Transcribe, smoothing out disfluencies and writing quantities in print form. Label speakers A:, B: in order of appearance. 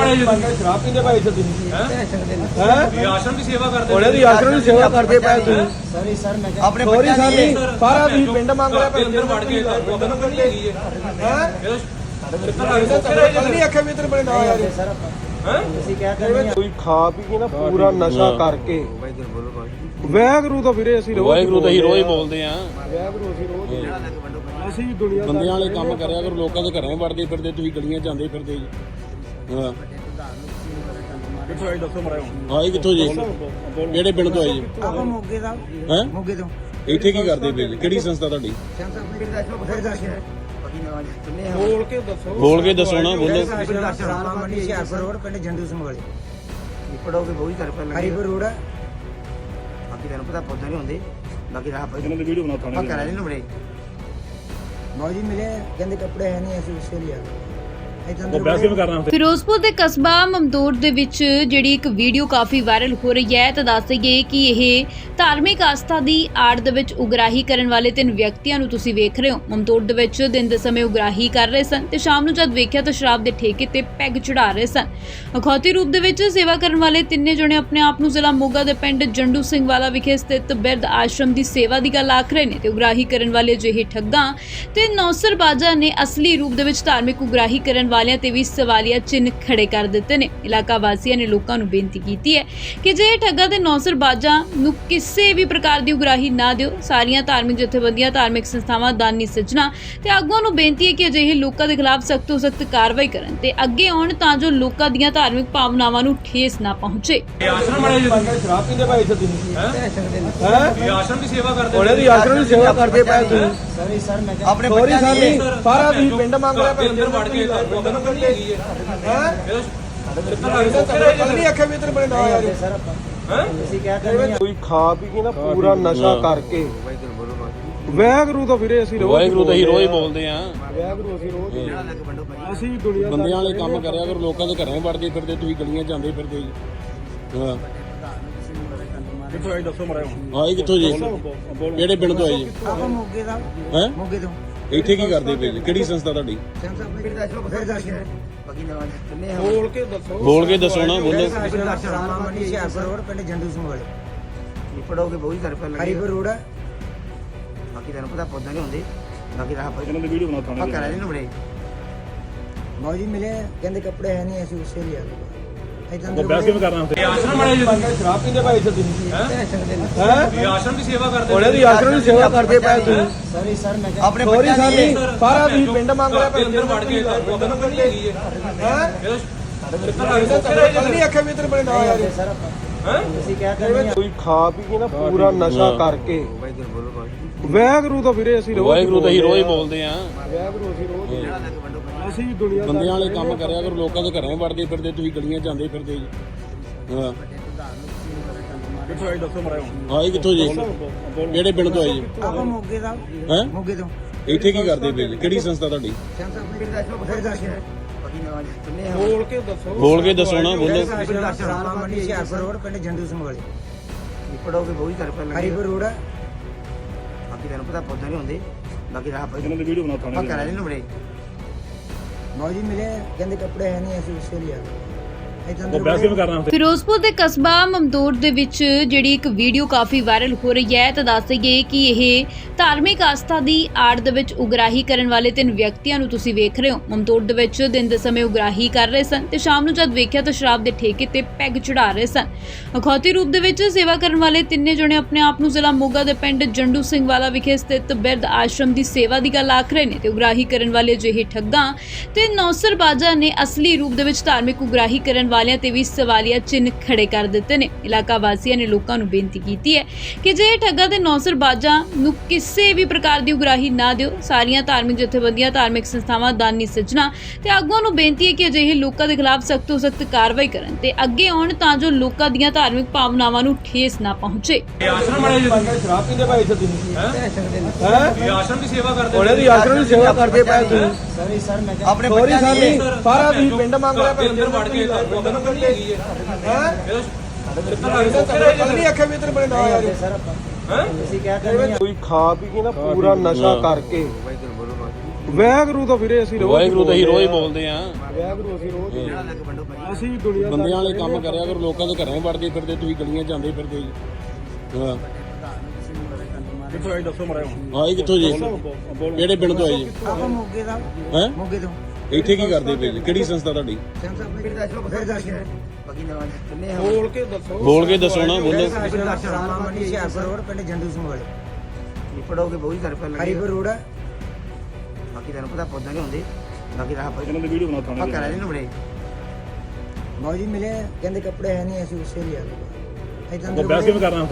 A: ਸ਼ਰਾਬ ਪੀਂਦੇ ਭਾਈ ਇੱਥੇ ਤੁਸੀਂ
B: ਹੈ ਆਸ਼ਰਮ ਦੀ ਸੇਵਾ ਕਰਦੇ
A: ਉਹਨੇ ਦੀ ਆਸ਼ਰਮ ਦੀ ਸੇਵਾ ਕਰਦੇ ਪਏ ਤੁਸੀਂ
C: ਸੌਰੀ ਸਰ ਮੈਂ
A: ਆਪਣੇ ਬੱਚਿਆਂ ਦੀ ਸਾਰਾ ਤੁਸੀਂ ਪਿੰਡ ਮੰਗ ਰਿਹਾ ਭਾਈ
B: ਅੰਦਰ ਵੜ ਕੇ ਉਧਰ ਨੂੰ ਨਹੀਂ ਹੈਗੀ
A: ਹੈ
B: ਇਹ
A: ਨਹੀਂ ਅੱਖੇ ਵੀ ਤੇਰੇ ਬੜੇ ਨਾ ਯਾਰ
C: ਸਰ ਆਪਾਂ ਅਸੀਂ ਕਹਿ ਕਰਦੇ
A: ਕੋਈ ਖਾ ਪੀ ਕੇ ਨਾ ਪੂਰਾ ਨਸ਼ਾ ਕਰਕੇ ਵੈਗਰੂ ਤਾਂ ਵੀਰੇ ਅਸੀਂ
D: ਵਾਹਿਗੁਰੂ ਤਾਂ ਹੀ ਰੋਜ਼ ਬੋਲਦੇ ਆ।
A: ਵੈਗਰੂ ਅਸੀਂ ਰੋਜ਼ ਅਸੀਂ ਵੀ ਦੁਨੀਆ
D: ਬੰਦਿਆਂ ਵਾਲੇ ਕੰਮ ਕਰਿਆ ਕਰੋ, ਲੋਕਾਂ ਦੇ ਘਰਾਂ ਵੜਦੇ ਫਿਰਦੇ, ਤੁਸੀਂ ਗਲੀਆਂ ਜਾਂਦੇ ਫਿਰਦੇ ਜੀ। ਹਾਂ
A: ਕਿੱਥੋਂ ਆਈ ਦੱਸੋ ਮਰਾਓ
D: ਆਏ ਕਿੱਥੋਂ ਜੀ? ਕਿਹੜੇ ਪਿੰਡ ਤੋਂ ਆਏ ਜੀ?
C: ਆਪਾਂ ਮੋਗੇ ਦਾ
D: ਹੈ
C: ਮੋਗੇ ਤੋਂ
D: ਇੱਥੇ ਕੀ ਕਰਦੇ ਪਏ ਜੀ? ਕਿਹੜੀ ਸੰਸਥਾ ਤੁਹਾਡੀ?
A: ਬੋਲ ਕੇ ਦੱਸੋ
D: ਬੋਲ ਕੇ ਦੱਸੋ ਨਾ, ਬੋਲੋ।
C: ਰਾਮਾ ਮੰਡੀ ਹਿਆਰਪੁਰ ਰੋਡ ਪਿੰਡ ਜੰਡੂ ਸਿੰਘ ਵਾਲੇ
E: ਪੜੋਗੇ ਬਹੁਤ ਕਰ ਪਹਿਲਾਂ
C: ਹਰੀਪੁਰ ਰੋਡ
E: ਬਾਕੀ ਤੈਨੂੰ ਪਤਾ ਪੌਦਾ ਨਹੀਂ ਹੁੰਦੇ ਬਾਕੀ ਰਾਹ ਪਈ
A: ਇਹਨਾਂ ਦੀ ਵੀਡੀਓ ਬਣਾ ਥਾਣੇ
E: ਆ ਕਰਾ ਲੈਣ ਬੜੇ
C: ਮੌਜੀ ਮਿਲੇ ਕਹਿੰਦੇ ਕੱਪੜੇ ਹੈ ਨਹੀਂ ਅਸੀਂ ਉਸੇ ਲਿਆ
F: ਫਿਰੋਜ਼ਪੁਰ ਦੇ ਕਸਬਾ ਮਮਦੋਟ ਦੇ ਵਿੱਚ ਜਿਹੜੀ ਇੱਕ ਵੀਡੀਓ ਕਾਫੀ ਵਾਇਰਲ ਹੋ ਰਹੀ ਹੈ ਤਾਂ ਦੱਸ ਦਈਏ ਕਿ ਇਹ ਧਾਰਮਿਕ ਆਸਥਾ ਦੀ ਆੜ ਦੇ ਵਿੱਚ ਉਗਰਾਹੀ ਕਰਨ ਵਾਲੇ 3 ਵਿਅਕਤੀਆਂ ਨੂੰ ਤੁਸੀਂ ਵੇਖ ਰਹੇ ਹੋ। ਮਮਦੋਟ ਦੇ ਵਿੱਚ ਦਿਨ ਦੇ ਸਮੇਂ ਉਗਰਾਹੀ ਕਰ ਰਹੇ ਸਨ ਤੇ ਸ਼ਾਮ ਨੂੰ ਜਦ ਵੇਖਿਆ ਤਾਂ ਸ਼ਰਾਬ ਦੇ ਠੇਕੇ ਤੇ ਪੈਗ ਚੜਾ ਰਹੇ ਸਨ। ਅਖੌਤੀ ਰੂਪ ਦੇ ਵਿੱਚ ਸੇਵਾ ਕਰਨ ਵਾਲੇ ਤਿੰਨੇ ਜਣੇ ਆਪਣੇ ਆਪ ਨੂੰ ਜ਼ਿਲ੍ਹਾ ਮੋਗਾ ਦੇ ਪਿੰਡ ਜੰਡੂ ਸਿੰਘ ਵਾਲਾ ਵਿਖੇ ਸਥਿਤ ਬਿਰਧ ਆਸ਼ਰਮ ਦੀ ਸੇਵਾ ਦੀ ਗੱਲ ਆਖ ਰਹੇ ਨੇ ਤੇ ਉਗਰਾਹੀ ਕਰਨ ਵਾਲੇ ਜਿਹੇ ਠੱਗਾਂ ਤੇ ਨੌਸਰਬਾਜ਼ਾਂ ਨੇ ਅਸਲੀ ਰੂਪ ਦੇ ਵਿੱਚ ਧਾਰਮਿਕ ਉਗਰਾਹੀ ਕਰਨ ਵਾਲਿਆਂ ਤੇ ਵੀ ਸਵਾਲੀਆ ਚਿੰਨ੍ਹ ਖੜੇ ਕਰ ਦਿੱਤੇ ਨੇ। ਇਲਾਕਾ ਵਾਸੀਆਂ ਨੇ ਲੋਕਾਂ ਨੂੰ ਬੇਨਤੀ ਕੀਤੀ ਹੈ ਕਿ ਜੇ ਠੱਗਾਂ ਤੇ ਨੌਸਰਬਾਜ਼ਾਂ ਨੂੰ ਕਿਸੇ ਵੀ ਪ੍ਰਕਾਰ ਦੀ ਉਗਰਾਹੀ ਨਾ ਦਿਓ। ਸਾਰੀਆਂ ਧਾਰਮਿਕ ਜਥੇਬੰਦੀਆਂ, ਧਾਰਮਿਕ ਸੰਸਥਾਵਾਂ, ਦਾਨੀ ਸੱਜਣਾ ਤੇ ਆਗੂਆਂ ਨੂੰ ਬੇਨਤੀ ਹੈ ਕਿ ਅਜਿਹੇ ਲੋਕਾਂ ਦੇ ਖਿਲਾਫ ਸਖਤ ਤੋਂ ਸਖਤ ਕਾਰਵਾਈ ਕਰਨ ਤੇ ਅੱਗੇ ਆਉਣ ਤਾਂ ਜੋ ਲੋਕਾਂ ਦੀਆਂ ਧਾਰਮਿਕ ਭਾਵਨਾਵਾਂ ਨੂੰ ਠੇਸ ਨਾ ਪਹੁੰਚੇ।
B: ਆਸ਼ਰਮ ਵਾਲੇ
A: ਸ਼ਰਾਬ ਪੀਂਦੇ ਭਾਈ ਇੱਥੇ ਤੁਸੀਂ
B: ਹੈ ਆਸ਼ਰਮ ਦੀ ਸੇਵਾ ਕਰਦੇ
A: ਉਹਨੇ ਦੀ ਆਸ਼ਰਮ ਦੀ ਸੇਵਾ ਕਰਦੇ ਪਏ ਤੁਸੀਂ
C: ਸੌਰੀ ਸਰ ਮੈਂ
E: ਆਪਣੇ
A: ਸੌਰੀ ਸਰ ਸਾਰਾ ਤੁਸੀਂ ਪਿੰਡ ਮੰਗ ਰਿਹਾ ਭਾਈ
B: ਅੰਦਰ ਵੜ ਕੇ ਉਧਰ ਨੂੰ ਨਹੀਂ ਹੈਗੀ
A: ਨਹੀਂ ਅੱਖੇ ਵੀ ਤੇਰੇ ਬੜੇ ਨਾ ਯਾਰ
C: ਸਰ ਆਪਾਂ ਅਸੀਂ ਕਹਿ ਕਰਦੇ
A: ਕੋਈ ਖਾ ਪੀ ਕੇ ਨਾ ਪੂਰਾ ਨਸ਼ਾ ਕਰਕੇ ਵੈਗਰੂ ਤਾਂ ਵੀਰੇ ਅਸੀਂ
D: ਵਾਹਿਗੁਰੂ ਤਾਂ ਹੀ ਰੋਜ਼ ਬੋਲਦੇ ਆ।
A: ਵੈਗਰੂ ਅਸੀਂ ਰੋਜ਼ ਅਸੀਂ ਵੀ ਦੁਨੀਆ
D: ਬੰਦਿਆਂ ਵਾਲੇ ਕੰਮ ਕਰਿਆ ਕਰੋ, ਲੋਕਾਂ ਦੇ ਘਰਾਂ ਵੜਦੇ ਫਿਰਦੇ, ਤੁਸੀਂ ਗਲੀਆਂ ਜਾਂਦੇ ਫਿਰਦੇ ਜੀ। ਹਾਂ
A: ਕਿੱਥੋਂ ਆਈ ਦੱਸੋ ਮਰਾਓ
D: ਆਏ ਕਿੱਥੋਂ ਜੀ? ਕਿਹੜੇ ਪਿੰਡ ਤੋਂ ਆਏ ਜੀ?
C: ਆਪਾਂ ਮੋਗੇ ਦਾ
D: ਹੈ
C: ਮੋਗੇ ਤੋਂ
D: ਇੱਥੇ ਕੀ ਕਰਦੇ ਪਏ ਜੀ? ਕਿਹੜੀ ਸੰਸਥਾ ਤੁਹਾਡੀ?
E: ਬਾਕੀ ਨਾ ਕਿੰਨੇ
A: ਬੋਲ ਕੇ ਦੱਸੋ
D: ਬੋਲ ਕੇ ਦੱਸੋ ਨਾ, ਬੋਲੋ।
C: ਰਾਮਾ ਮੰਡੀ ਹਿਆਰਪੁਰ ਰੋਡ ਪਿੰਡ ਜੰਡੂ ਸਿੰਘ ਵਾਲੇ
E: ਪੜੋਗੇ ਬਹੁਤ ਕਰ ਪਹਿਲਾਂ
C: ਹਰੀਪੁਰ ਰੋਡ
E: ਬਾਕੀ ਤੈਨੂੰ ਪਤਾ ਪੌਦਾ ਨਹੀਂ ਹੁੰਦੇ ਬਾਕੀ ਰਾਹ ਪਈ
A: ਇਹਨਾਂ ਦੀ ਵੀਡੀਓ ਬਣਾ
E: ਆ
A: ਥਾਣੇ
E: ਕਰਾ ਲੈਣ ਬੜੇ
C: ਮੌਜੀ ਮਿਲੇ ਕਹਿੰਦੇ ਕੱਪੜੇ ਹੈ ਨਹੀਂ ਅਸੀਂ ਉਸੇ ਲਿਆ
B: ਆਸ਼ਰਮ ਵਾਲੇ
A: ਸ਼ਰਾਬ ਪੀਂਦੇ ਭਾਈ ਇੱਥੇ ਤੁਸੀਂ ਹੈ
B: ਆਸ਼ਰਮ ਦੀ ਸੇਵਾ ਕਰਦੇ
A: ਉਹਨੇ ਦੀ ਆਸ਼ਰਮ ਦੀ ਸੇਵਾ ਕਰਦੇ ਪਏ ਤੁਸੀਂ
C: ਸੌਰੀ ਸਰ ਮੈਂ
E: ਆਪਣੇ
A: ਸੌਰੀ
E: ਬੱਚਿਆਂ ਦੀ
A: ਸਰ ਸਾਰਾ ਤੁਸੀਂ ਪਿੰਡ ਮੰਗ ਰਿਹਾ ਭਾਈ
B: ਅੰਦਰ ਵੜ ਕੇ ਉਧਰ ਨੂੰ ਨਹੀਂ ਹੈਗੀ
A: ਨਹੀਂ ਅੱਖੇ ਵੀ ਤੇਰੇ ਬੜੇ ਨਾ ਯਾਰ
C: ਸਰ ਆਪਾਂ ਅਸੀਂ ਕਹਿ ਕਰਦੇ
A: ਕੋਈ ਖਾ ਪੀ ਕੇ ਨਾ ਪੂਰਾ ਨਸ਼ਾ ਕਰਕੇ ਵੈਗਰੂ ਤਾਂ ਵੀਰੇ ਅਸੀਂ
D: ਵਾਹਿਗੁਰੂ ਤਾਂ ਹੀ ਰੋਜ਼ ਬੋਲਦੇ ਆ।
A: ਵੈਗਰੂ ਅਸੀਂ ਰੋਜ਼ ਅਸੀਂ ਵੀ ਦੁਨੀਆ
D: ਬੰਦਿਆਂ ਵਾਲੇ ਕੰਮ ਕਰਿਆ ਕਰੋ, ਲੋਕਾਂ ਦੇ ਘਰਾਂ ਵੜਦੇ ਫਿਰਦੇ, ਤੁਸੀਂ ਗਲੀਆਂ ਜਾਂਦੇ ਫਿਰਦੇ ਜੀ। ਹਾਂ
A: ਕਿੱਥੋਂ ਆਈ ਦੱਸੋ ਮਰਾਓ
D: ਆਏ ਕਿੱਥੋਂ ਜੀ? ਕਿਹੜੇ ਪਿੰਡ ਤੋਂ ਆਏ ਜੀ?
C: ਆਪਾਂ ਮੋਗੇ ਦਾ
D: ਹੈ
C: ਮੋਗੇ ਤੋਂ
D: ਇੱਥੇ ਕੀ ਕਰਦੇ ਪਏ ਜੀ? ਕਿਹੜੀ ਸੰਸਥਾ ਤੁਹਾਡੀ?
E: ਬਾਕੀ ਨਾ ਕਿੰਨੇ
A: ਬੋਲ ਕੇ ਦੱਸੋ
D: ਬੋਲ ਕੇ ਦੱਸੋ ਨਾ, ਬੋਲੋ।
C: ਰਾਮਾ ਮੰਡੀ ਹਿਆਰਪੁਰ ਰੋਡ ਪਿੰਡ ਜੰਡੂ ਸਿੰਘ ਵਾਲੇ
E: ਪੜੋਗੇ ਬਹੁਤ ਕਰ ਪਹਿਲਾਂ
C: ਹਰੀਪੁਰ ਰੋਡ
E: ਬਾਕੀ ਤੈਨੂੰ ਪਤਾ ਪੌਦਾ ਨਹੀਂ ਹੁੰਦੇ ਬਾਕੀ ਰਾਹ ਪਈ
A: ਇਹਨਾਂ ਦੀ ਵੀਡੀਓ ਬਣਾ
E: ਆ
A: ਥਾਣੇ
E: ਕਰਾ ਲੈਣ ਬੜੇ
C: ਮੌਜੀ ਮਿਲੇ ਕਹਿੰਦੇ ਕੱਪੜੇ ਹੈ ਨਹੀਂ ਅਸੀਂ ਉਸੇ ਲਿਆ
F: ਫਿਰੋਜ਼ਪੁਰ ਦੇ ਕਸਬਾ ਮਮਦੋਟ ਦੇ ਵਿੱਚ ਜਿਹੜੀ ਇੱਕ ਵੀਡੀਓ ਕਾਫੀ ਵਾਇਰਲ ਹੋ ਰਹੀ ਹੈ ਤਾਂ ਦੱਸ ਦਈਏ ਕਿ ਇਹ ਧਾਰਮਿਕ ਆਸਥਾ ਦੀ ਆੜ ਦੇ ਵਿੱਚ ਉਗਰਾਹੀ ਕਰਨ ਵਾਲੇ 3 ਵਿਅਕਤੀਆਂ ਨੂੰ ਤੁਸੀਂ ਵੇਖ ਰਹੇ ਹੋ। ਮਮਦੋਟ ਦੇ ਵਿੱਚ ਦਿਨ ਦੇ ਸਮੇਂ ਉਗਰਾਹੀ ਕਰ ਰਹੇ ਸਨ ਤੇ ਸ਼ਾਮ ਨੂੰ ਜਦ ਵੇਖਿਆ ਤਾਂ ਸ਼ਰਾਬ ਦੇ ਠੇਕੇ ਤੇ ਪੈਗ ਚੜਾ ਰਹੇ ਸਨ। ਅਖੌਤੀ ਰੂਪ ਦੇ ਵਿੱਚ ਸੇਵਾ ਕਰਨ ਵਾਲੇ ਤਿੰਨੇ ਜਣੇ ਆਪਣੇ ਆਪ ਨੂੰ ਜ਼ਿਲ੍ਹਾ ਮੋਗਾ ਦੇ ਪਿੰਡ ਜੰਡੂ ਸਿੰਘ ਵਾਲਾ ਵਿਖੇ ਸਥਿਤ ਬਿਰਧ ਆਸ਼ਰਮ ਦੀ ਸੇਵਾ ਦੀ ਗੱਲ ਆਖ ਰਹੇ ਨੇ ਤੇ ਉਗਰਾਹੀ ਕਰਨ ਵਾਲੇ ਜਿਹੇ ਠੱਗਾਂ ਤੇ ਨੌਸਰਬਾਜ਼ਾਂ ਨੇ ਅਸਲੀ ਰੂਪ ਦੇ ਵਿੱਚ ਧਾਰਮਿਕ ਉਗਰਾਹੀ ਕਰਨ ਵਾਲਿਆਂ ਤੇ ਵੀ ਸਵਾਲੀਆ ਚਿੰਨ੍ਹ ਖੜੇ ਕਰ ਦਿੱਤੇ ਨੇ। ਇਲਾਕਾ ਵਾਸੀਆਂ ਨੇ ਲੋਕਾਂ ਨੂੰ ਬੇਨਤੀ ਕੀਤੀ ਹੈ ਕਿ ਜੇ ਠੱਗਾਂ ਤੇ ਨੌਸਰਬਾਜ਼ਾਂ ਨੂੰ ਕਿਸੇ ਵੀ ਪ੍ਰਕਾਰ ਦੀ ਉਗਰਾਹੀ ਨਾ ਦਿਓ। ਸਾਰੀਆਂ ਧਾਰਮਿਕ ਜਥੇਬੰਦੀਆਂ, ਧਾਰਮਿਕ ਸੰਸਥਾਵਾਂ, ਦਾਨੀ ਸੱਜਣਾ ਤੇ ਆਗੂਆਂ ਨੂੰ ਬੇਨਤੀ ਹੈ ਕਿ ਅਜਿਹੇ ਲੋਕਾਂ ਦੇ ਖਿਲਾਫ ਸਖਤ ਤੋਂ ਸਖਤ ਕਾਰਵਾਈ ਕਰਨ ਤੇ ਅੱਗੇ ਆਉਣ ਤਾਂ ਜੋ ਲੋਕਾਂ ਦੀਆਂ ਧਾਰਮਿਕ ਭਾਵਨਾਵਾਂ ਨੂੰ ਠੇਸ ਨਾ ਪਹੁੰਚੇ।
B: ਆਸ਼ਰਮ ਵਾਲੇ
A: ਸ਼ਰਾਬ ਪੀਂਦੇ ਭਾਈ ਇੱਥੇ ਤੁਸੀਂ ਹੈ
B: ਆਸ਼ਰਮ ਦੀ ਸੇਵਾ ਕਰਦੇ
A: ਉਹਨੇ ਦੀ ਆਸ਼ਰਮ ਦੀ ਸੇਵਾ ਕਰਦੇ ਪਏ ਤੁਸੀਂ
C: ਸੌਰੀ ਸਰ ਮੈਂ
E: ਆਪਣੇ
A: ਸੌਰੀ
E: ਬੱਚਿਆਂ ਦੀ
A: ਸਰ ਸਾਰਾ ਤੁਸੀਂ ਪਿੰਡ ਮੰਗ ਰਿਹਾ ਭਾਈ
B: ਅੰਦਰ ਵੜ ਕੇ ਉਧਰ ਨੂੰ ਨਹੀਂ ਹੈਗੀ
A: ਨਹੀਂ ਅੱਖੇ ਵੀ ਤੇਰੇ ਬੜੇ ਨਾ ਯਾਰ
C: ਸਰ ਆਪਾਂ ਅਸੀਂ ਕਹਿ ਕਰਦੇ
A: ਕੋਈ ਖਾ ਪੀ ਕੇ ਨਾ ਪੂਰਾ ਨਸ਼ਾ ਕਰਕੇ ਵੈਗਰੂ ਤਾਂ ਵੀਰੇ ਅਸੀਂ ਰੋਜ਼
D: ਵਾਹਿਗੁਰੂ ਤਾਂ ਹੀ ਰੋਜ਼ ਬੋਲਦੇ ਆ
A: ਵੈਗਰੂ ਅਸੀਂ ਰੋਜ਼
E: ਜਿਹੜਾ ਲੱਗ ਵੰਡੋ ਭਾਜੀ
A: ਅਸੀਂ ਦੁਨੀਆ
D: ਬੰਦਿਆਂ ਵਾਲੇ ਕੰਮ ਕਰਿਆ ਕਰੋ, ਲੋਕਾਂ ਦੇ ਘਰਾਂ ਵੜਦੇ ਫਿਰਦੇ, ਤੁਸੀਂ ਗਲੀਆਂ ਜਾਂਦੇ ਫਿਰਦੇ ਜੀ। ਹਾਂ
B: ਕਿੱਥੋਂ ਆਈ ਦੱਸੋ ਮਰਾਓ
D: ਆਏ ਕਿੱਥੋਂ ਜੀ? ਕਿਹੜੇ ਪਿੰਡ ਤੋਂ ਆਏ ਜੀ?
C: ਆਪਾਂ ਮੋਗੇ ਦਾ
D: ਹੈ
C: ਮੋਗੇ ਤੋਂ
D: ਇੱਥੇ ਕੀ ਕਰਦੇ ਪਏ ਜੀ? ਕਿਹੜੀ ਸੰਸਥਾ ਤੁਹਾਡੀ?
E: ਫਿਰ ਦੱਸ ਲਓ
C: ਫਿਰ ਦੱਸ ਦਿਓ।
E: ਬਾਕੀ ਨਵਾਂ ਕਿੰਨੇ ਆ
A: ਬੋਲ ਕੇ ਦੱਸੋ
D: ਬੋਲ ਕੇ ਦੱਸੋ ਨਾ, ਬੋਲੋ।
C: ਰਾਮਾ ਮੰਡੀ ਹਿਆਰਪੁਰ ਰੋਡ ਪਿੰਡ ਜੰਡੂ ਸਿੰਘ ਵਾਲੇ
E: ਪੜੋਗੇ ਬਹੁਤ ਸਾਰੇ ਰੁਪਏ ਲੱਗੇ
C: ਹਰੀਪੁਰ ਰੋਡ
E: ਬਾਕੀ ਤੁਹਾਨੂੰ ਪਤਾ ਪੌਦਾ ਨਹੀਂ ਹੁੰਦੇ ਬਾਕੀ ਰਾਹ ਪਰ
B: ਇਹਨਾਂ ਦੀ ਵੀਡੀਓ ਬਣਾ ਥਾਣੇ
E: ਪੱਕਾ ਰਹਿ ਨੂੰ ਬੜੇ
C: ਬਾਊ ਜੀ ਮਿਲੇ ਕਹਿੰਦੇ ਕੱਪੜੇ ਹੈ ਨਹੀਂ ਅਸੀਂ ਉਸੇ ਲਈ ਆ ਗਏ
B: ਬੈਸ ਕਿਵੇਂ ਕਰਨਾ